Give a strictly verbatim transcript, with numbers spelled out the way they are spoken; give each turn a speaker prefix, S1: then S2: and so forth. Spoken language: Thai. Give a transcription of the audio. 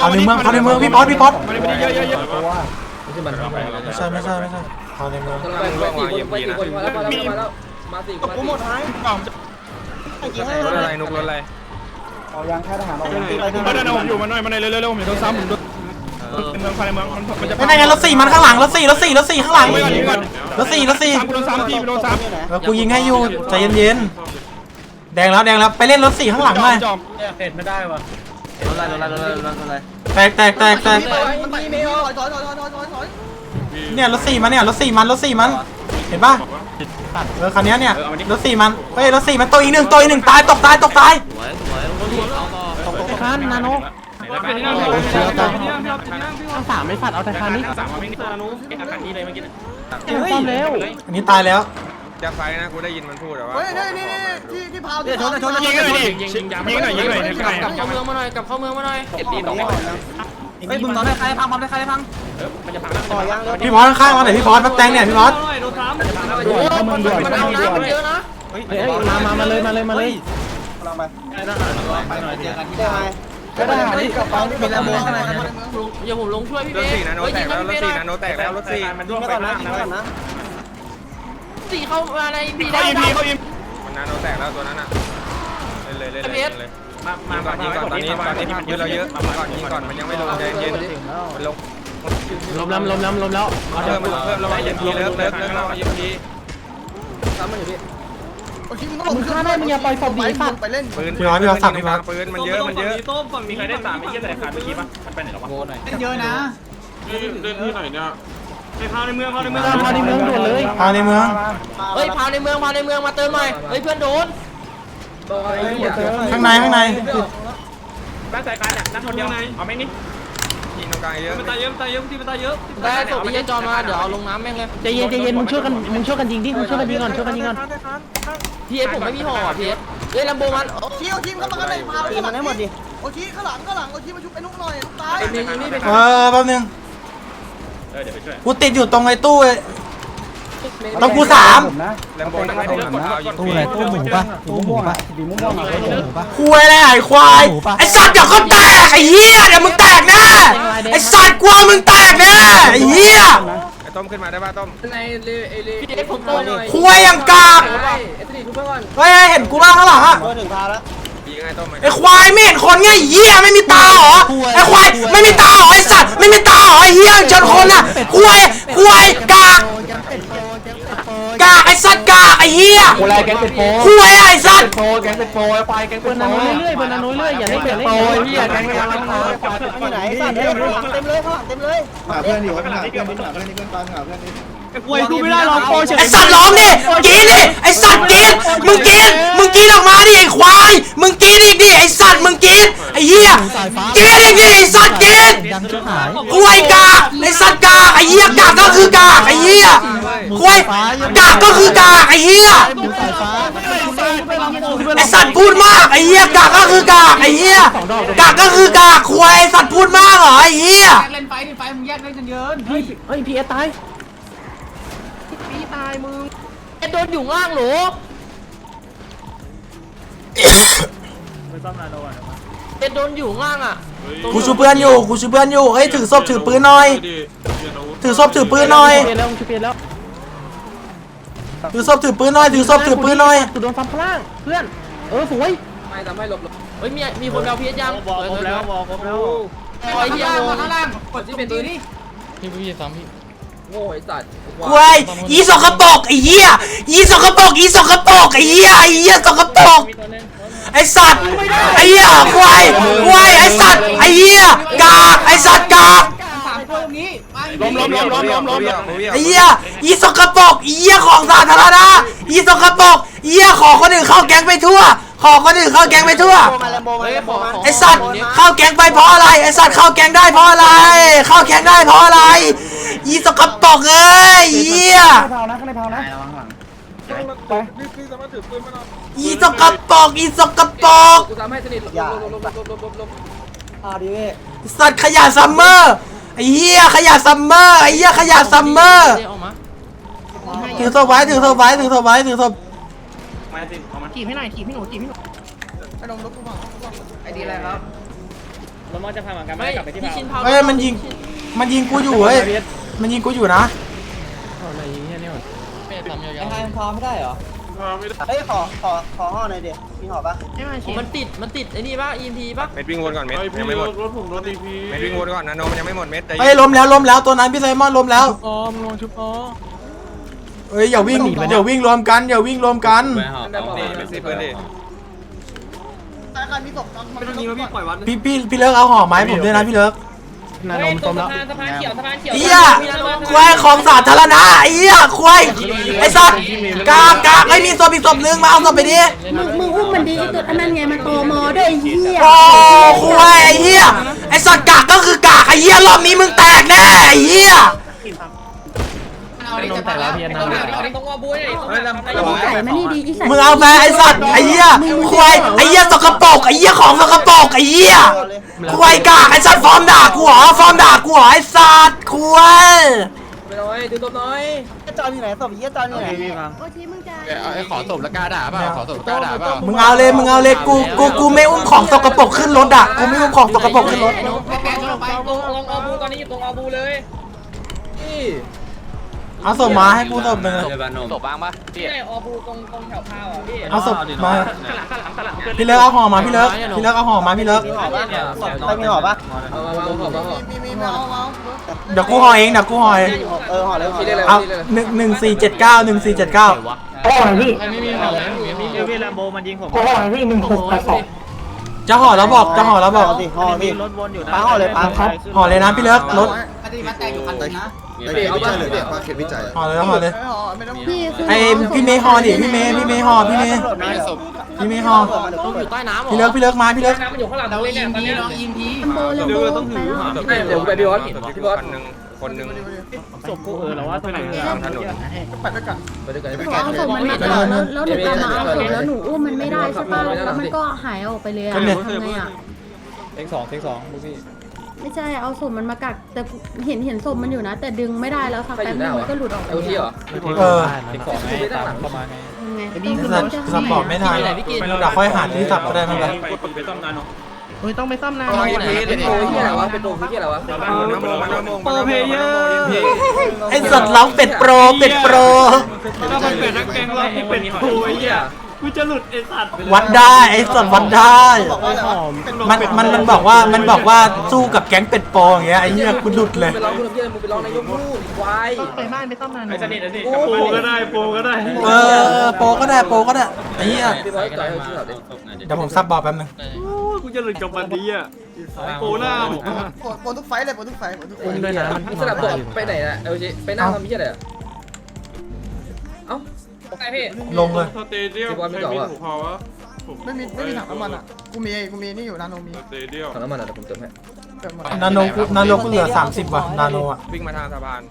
S1: พาในเมืองพาในเมืองพี่ป๊อตพี่ป๊อต
S2: เยอะเยอะเยอะ
S1: ไม่ใช่ไม่ใช่ไม่ใช่พาในเมือง
S3: ไปสี่คนมาแล้วมาแล้วมาแล้วมาสี่คน
S2: กูหมดท้ายรถอะไรนุกรถอะไร
S4: เอายางค่ายทหารออก
S2: เดินผมอยู่มาหน่อยมาหน่อยเร็วเร็วผมอยู่ตรงซ้ำผมในเมืองภายในเมืองมันมันจะ
S1: ไม่ได้ไงรถสี่มันข้างหลังรถสี่รถสี่รถสี่ข้างหลังรถสี่รถสี่
S2: ซ้ำกูโดนซ้ำพี่โดนซ้ำ
S1: แล้วกูยิงให้อยู่ใจเย็นๆแดงแล้วแดงแล้วไปเล่นรถสี่ข้างหลังหน่อย
S2: จอม
S4: เห็นไม่ได้วะ
S3: รถอะไรรถอะไรรถอะไรรถอะไร
S1: แตกแตกแตกแตก
S3: มันมีไม่ออกถอยถอยถอยถอยถอยถอย
S1: เนี่ยรถสี่มันเนี่ยรถสี่มันรถสี่มันเห็นป่ะเออคันนี้เนี่ยรถสี่มันเฮ้ยรถสี่มันตัวอีกหนึ่งตัวอีกหนึ่งตายตกตายตกตาย
S3: สวยสวยเอาต่อ
S4: ตกตกคันนาโนทั้งสามไม่ฝัดเอาแต่คันนี้ซ่อมเร็ว
S1: อันนี้ตายแล้ว
S2: จะไฟนะกูได้ยินมันพูดแต่ว่า
S3: เฮ้ยนี่นี่ที่ที่พาวที่
S2: ชนชนยิงหน่อยดิยิงหน่อยยิงหน่อยยิงหน่อย
S3: กลับเข้าเมืองมาหน่อยกลับเข้าเมืองมาหน่อยเก็บดีต่อ
S4: เฮ้ยมึงตอนได้ใครพังมันได้ใครพังต่อยาง
S1: พี่พอสข้างๆมาหน่อยพี่พอสมาแตงเนี่ยพี่พอส
S3: มันมันเอาน้ำมันเยอะนะ
S4: เฮ้ยมามามาเลยมาเลยมาเลยเราไปไปหน่อยเจอกันที่ได้ก็ได้นี่กับปั๊มมีแล้วมึงข้างในกัน
S3: เดี๋ยวผมลงช่วยพี่
S2: ร
S3: เบ
S2: ถ
S3: ส
S2: สี่นาโนแตกแล้วรถสี่นาโนแตกแล้วรถสี่มันร่วงไปน้ำนะ
S3: สี่เข้ามาในบี
S2: เขา
S3: ได้
S2: ยิงพีเขายิงมันนาโนแตกแล้วตัวนั้นอ่ะเลยเลยเลยเลยมามาก่อนยิงก่อนตอนนี้ตอนนี้เยอะเราเยอะมาก่อนยิงก่อนมันยังไม่ลงใจเย็นมันลง
S4: ล้มแล้วล้มแล้วล้มแล้ว
S2: เพิ่มเพิ่มระวังยิงพีเลิฟเลิฟเลิฟระวังยิงพี
S3: ซ้ำมันอยู่พี่
S4: มึงฆ่าได้มึงอย่าปล่อยศพดีสัตว์
S3: ไปเล่น
S2: ปืนปืนมันเยอะมันเยอะ
S5: ต้มฝั่งมีใครได้สามไม่เยอะแต่ขาดเมื่อกี้ปะมันไปไหนแล้ววะ
S3: โบหน่อย
S4: เยอะนะ
S5: เล่นที่ไหนเนี่ยไปพาในเมืองพาในเมือง
S4: พาในเมืองด่วนเลย
S1: พาในเมือง
S3: เฮ้ยพาในเมืองพาในเมืองมาเติมหน่อยเฮ้ยเพื่อนโดน
S1: ข้างในข้างใน
S5: บ้านสายการเนี่ยนักทนยังไงเอาไหมนี่
S2: ยิงตรงกลางเยอะ
S5: มันตายเยอะมันตายเยอะที่มันตายเยอะ
S3: ได้ศพพี่จอนมาเดี๋ยวเอาลงน้ำแม่งเลย
S4: ใจเย็นใจเย็นมึงช่วยกันมึงช่วยกันยิงดิมึงช่วยกันยิงก่อนช่วยกันยิงก่อน
S3: พีเอสผมไม่มีห่อพีเอสเฮ้ยลำโบมัน
S6: ทีโอทีมเข้ามาข้างในพา
S4: ตีมันให้หมดดิ
S6: โอทีข้างหลังข้างหลังโอทีมาชุบไอ้นุ๊กหน่อยนุ๊กตาย
S3: ไอ้เมย์ยิงนี่ไป
S1: เออแป๊บนึง
S5: เออเดี๋ยวไปช่วย
S1: กูติดอยู่ตรงไอ้ตู้ต้องกูสาม
S2: แลมโบนั่งให้ดูกดเอายิง
S4: ตู้ไหนตู้หมูปะตู้หมูปะสีม่วงอะไรตู้หมูปะ
S1: คุยอะไรไอ้ควายไอ้สัตว์เดี๋ยวก็แตกไอ้เหี้ยเดี๋ยวมึงแตกแน่ไอ้สัตว์กลัวมึงแตกแน่ไอ้เหี้ย
S2: ไอ้ต้มขึ้นมาได้ป่ะต้ม
S3: ในเลเอเลพีเอสผมโตหน่อย
S1: คุยอย่างกาก
S3: เอสดีทุกเพื่อน
S1: เฮ้ยเห็นกูบ้างข้างหลังอะ
S4: ตัวถึงพาแล้ว
S2: ยิงไอ้ต้ม
S1: ไอ้ควายไม่เห็นคนไงเหี้ยไม่มีตาเหรอไอ้ควายไม่มีตาเหรอไอ้สัตว์ไม่มีตาเหรอไอ้เหี้ยชนคนอะควายควายกากกากไอ้สัตว์กากไอ้เหี้ย
S4: โอ้ยแก๊งเป็ดโป
S1: ควายไอ้สัตว์
S4: โปแก๊งเป็ดโปไอ้ควายแก๊งเป็ดโปเรื่อยๆบนนั้นเรื่อยๆอย่าเล่นอย่าเล่นโปเฮียแก๊งเป็ดโปที่ไหนสัตว์เต็มเลยเต็มเลยข้างหลังเต็มเลย
S7: หาเพื่อนอยู่หาเพื่อนนิดหาเพื่อนนิดเพื่อนตามหาเพื่อนนิด
S4: ป่วยกูไม่ได้หรอกโปเฉย
S1: ไอ้สัตว์ร้องดิกินดิไอ้สัตว์กินมึงกินมึงกินออกมาดิไอ้ควายมึงกินอีกดิไอ้สัตว์มึงกินไอ้เหี้ยกินอีกดิไอ้สัตว์กิน
S4: ดังชิบหาย
S1: ควายกากไอ้สัตว์กากไอ้เหี้ยกากก็คือกากไอ้เหี้ยควายกากก็คือกากไอ้เหี้ย
S4: ดูสายฟ้า
S1: ไอ้สัตว์พูดมากไอ้เหี้ยกากก็คือกากไอ้เหี้ยกากก็คือกากควายไอ้สัตว์พูดมากเหรอไอ้เหี้ย
S6: เล่นไฟดิไฟมึงแยกเล่นกันเยอะ
S4: เฮ้ยเฮ้ยพีเอตาย
S3: พี่ตายมึงไอ้โดนอยู่ล่างหรอไอ้โดนอยู่ล่างอ่ะ
S1: กูชูเพื่อนอยู่กูชูเพื่อนอยู่เฮ้ยถือศพถือปืนหน่อยถือศพถือปืนหน่อย
S4: เปลี่ยนแล้วเปลี่ยนแล้ว
S1: ถือศพถือปืนหน่อยถือศพถือปืนหน่อย
S4: กูโดนฟันพล่างเพื่อนเออสวย
S3: ไม่ทำให้หลบหลบเฮ้ยมีมีคนเอาพีเอสยังบอกครบแล้วบอกครบแล้ว
S6: ข้าง
S3: ไอ้เหี้ย
S6: ล่างมาข้างล่างกดที่เป็นตัวนี้
S3: โง่ไอ้สัตว์
S1: ควายอีสกปรกไอ้เหี้ยอีสกปรกอีสกปรกไอ้เหี้ยไอ้เหี้ยสกปรกไอ้สัตว์ไอ้เหี้ยควายควายไอ้สัตว์ไอ้เหี้ยกากไอ้สัตว์กาก
S6: สามตัวตรงนี้
S2: ล้มล้มล้มล้มล้มล้ม
S1: ไอ้เหี้ยอีสกปรกอีเหี้ยของสาธารณะอีสกปรกอีเหี้ยขอคนอื่นเข้าแก๊งไปทั่วขอคนอื่นเข้าแก๊งไปทั่ว
S3: เฮ้ยขอ
S1: ไอ้สัตว์เข้าแก๊งไปเพราะอะไรไอ้สัตว์เข้าแก๊งได้เพราะอะไรเข้าแก๊งได้เพราะอะไรอีสกปรกเอ้ยเหี้ย
S4: เผานะข้างในเผานะ
S1: อีสกปรกอีสกปรก
S3: กูทำให้สนิทหลบหลบหลบหลบหลบหลบหลบ
S4: อ่าดีเว้ย
S1: สัตว์ขยะซัมเมอร์ไอ้เหี้ยขยะซัมเมอร์ไอ้เหี้ยขยะซัมเมอร์
S3: ออกมา
S1: ถือศพไว้ถือศพไว้ถือศพไว้ถือศพ
S5: มาสิเอามา
S4: ถีบให้หน่อยถีบให้หนูถีบให้หนู
S6: ไอ้นมรถกูพัง
S3: ไอ้ดีอะไรครับรถมอจะพาเหมือนกันไม่กลับไปที่ชินพา
S1: เฮ้ยมันยิงมันยิงกูอยู่เฮ้ยมันยิงกูอยู่นะ
S4: อะไรอย่างเงี้ยเนี่ย
S3: ไอ้ไฮมันพอ
S5: ไม่ได้
S6: เฮ้ยขอขอขอห่อหน่อยดิมีห่อปะ
S3: มันติดมันติดไอ้นี่ป่ะ อี เอ็ม พี ป่ะ
S2: เม็ดวิ่งวนก่อนเม็ด
S5: ไอพี่
S2: ยังไม่หมด
S5: รถผมรถดีพี
S2: เม็ดวิ่งวนก่อนนาโนมันยังไม่หมดเม็ดใจ
S1: เฮ้ยล้มแล้วล้มแล้วตัวนั้นพี่ไซมอนล้มแล้ว
S4: อ๋อมึงลงชุบอ๋อ
S1: เฮ้ยอย่าวิ่งอย่าวิ่งรวมกันอย่าวิ่งรวมกัน
S2: เป็นซีเพื่อนดิ
S6: ตายการมีศพไม่ต้องยิงแล้วพี่ปล่อยวัน
S1: พี่พี่พี่เลิกเอาห่อไม้ผมด้วยนะพี่เลิก
S4: นานมต้มแล้ว
S3: สะพานเขียวสะพานเขียว
S1: เอี้ยควายของสาธารณะไอ้เอี้ยควายไอ้สัตว์กากกากไม่มีศพอีกศพนึงมาเอาศพไปดิ
S8: มึงมึงอุ้มมันดีตัวอันนั้นไงมันโตมอด้วยไอ้เหี้ย
S1: โอ้ควายไอ้เหี้ยไอ้สัตว์กากก็คือกากไอ้เหี้ยรอบนี้มึงแตกแน่ไอ้เหี้ย
S4: นมแต่ละเพียนนะ
S3: ตรงอบูนี่
S8: มึงใส่มานี่ดีอีสัตว์
S1: มึงเอาไปไอ้สัตว์ไอ้เหี้ยควายไอ้เหี้ยสกปรกไอ้เหี้ยของสกปรกไอ้เหี้ยควายกากไอ้สัตว์ฟอร์มด่ากูเหรอฟอร์มด่ากูเหรอไอ้สัตว์ควาย
S3: ไปหน่อยดูตัวน้อย
S6: จอนอยู่ไหนศพเยี่ยจอนอยู่ไหน
S8: โอ้ทีมึงจะ
S4: ขอศพละกาด่าเปล่าขอศพละกาด่าเปล่า
S1: มึงเอาเลยมึงเอาเลยกูกูกูไม่อุ้มของสกปรกขึ้นรถอ่ะกูไม่อุ้มของสกปรกขึ้นรถ
S3: ตรงตรงอบูตอนนี้อยู่ตรงอบูเลยนี่
S1: เอาศพมาให้กูศพหนึ่ง
S4: ศพบ้างปะ
S3: ที่ไหนอบูตรงตรงแถวพาวอ่ะพี่
S1: เอาศพมาพี่เลิกเอาห่อมาพี่เลิกพี่เลิกเอาห่อมาพี่เลิก
S6: มีห่อปะใครมีห่อปะ
S3: เอามาเอาเอาเอา
S6: มีมีมีเอาเอา
S1: เดี๋ยวกูห่อเองเดี๋ยวกูห่อเอง
S6: เออห่อเลยห่อเลย
S1: เอาหนึ่งหนึ่งสี่เจ็ดเก้าหนึ่งสี่เจ็ดเก้า
S4: ไม่มีห่อเลยเอวิแลมโบมันยิงผม
S1: จะห่อแล้วบอกจะห่อแล้วบอก
S6: ห่อสิห่อสิ
S4: รถวนอยู่นะ
S6: ปาห่อเลยปา
S1: ห่อเลยนะพี่เลิกรถ
S6: ปฏิบัติแต่อยู่คันนึงนะ
S7: ไอ้เขตวิจัยเลยเนี่ยเขตวิจัย
S1: ห่อเลยห่อเลย
S6: ห่อไม่ต้อง
S8: พี่คือ
S1: ไอพี่เมย์ห่อดิพี่เมย์พี่เมย์ห่อพี่เมย์พี่เมย์ห่อ
S3: ต้องอยู่ใต้น้ำ
S1: พี่เลิกพี่เลิกมาพี่เลิก
S3: น้ำมันอยู่ข้างหลังเลยเนี่ยตอนนี้น้องยิงที
S8: ลัมโบลัมโบไปแล้ว
S3: เดี๋ยวไปพี่บอสพี่บอส
S2: คนหนึ่งคนหนึ่ง
S4: ศพกูเออแล้วว่าตรงไหน
S2: ตามถนน
S6: ไปด้วยกัน
S3: ไปด้วยกัน
S8: ขอเอาศพมันมาก่อนแล้วแล้วหนูจะมาเอาศพแล้วหนูอุ้มมันไม่ได้ใช่ป่ะแล้วมันก็หายออกไปเลยอะทำไงอะ
S4: เทคสองเทคสองลูกพี่
S8: ไม่ใช่เอาศพมันมากักแต่เห็นเห็นศพมันอยู่นะ แต่ดึงไม่ได้แล้วสักแป๊บนึงมันก็หลุดออกไป
S3: เอลทีเหรอ
S1: เออ
S4: เทคสองไงตามเข้ามาไง
S8: ยังไง
S1: สับสับบอกไม่ทันเดี๋ยวค่อยหาที่สับก็ได้ไม่เป็นไร
S5: ไปต้มนานเนาะ
S4: เฮ้ยต้องไปซ่อมนาน
S3: เป็นโปรที่อะไรวะเป็นโปรที่อะไรวะ
S2: น้ำโมมันน้ำโม
S4: โปรเพเยอร์
S1: ไอสัตว์ร้องเป็ดโปรเป็ดโปร
S5: ถ้ามันเป็นนักแกงเราที่เป็นโผล่ไอ้เหี้ยกูจะหลุดไอ้สัตว์
S1: วัดได้ไอสัตว์วัดได้
S6: บอกว่า
S1: มันมันมันบอกว่ามันบอกว่าสู้กับแก๊งเป็ดโปรอย่างเงี้ยไอ้เหี้ยกูหลุดเลย
S3: ไปร้องคุณเพื่อนมึงไปร้องนายกพูดควาย
S4: ไปบ้านไปซ่อมนาน
S5: ไอ้สนิทไอ้สนิทโปก็ได้โปก็ได้
S1: เออโปรก็ได้โปรก็ได้ไอ้เหี้ย
S3: พี่บอสต่อยเขาชื่อเขาดิ
S1: เดี๋ยวผมซับบอกแป๊บนึง
S5: กูจะหลุดกับวันนี้อ่ะโปหน้า
S6: ปนทุกไฟเลยปนทุกไฟปนทุกไฟ
S4: อุ้มด้วยนะมัน
S3: มึงสลับบอกไปไหนนะเอลจีไปนั่งทำยี่อะไรอ่ะเอ้าไอพี่
S1: ลงเลย
S5: สเตเดียมใครมีถูกพอวะ
S6: ไม่มีไม่มีถังน้ำมันอ่ะกูมีกูมีนี่อยู่นาโนมี
S5: สเตเดียม
S3: ถังน้ำมันอ่ะเดี๋ยวผมเติมให้
S6: เติมหมด
S1: นาโนกูนาโนกูเหลือสามสิบว่ะนาโนอ่ะ
S2: วิ่งมาทางสะพาน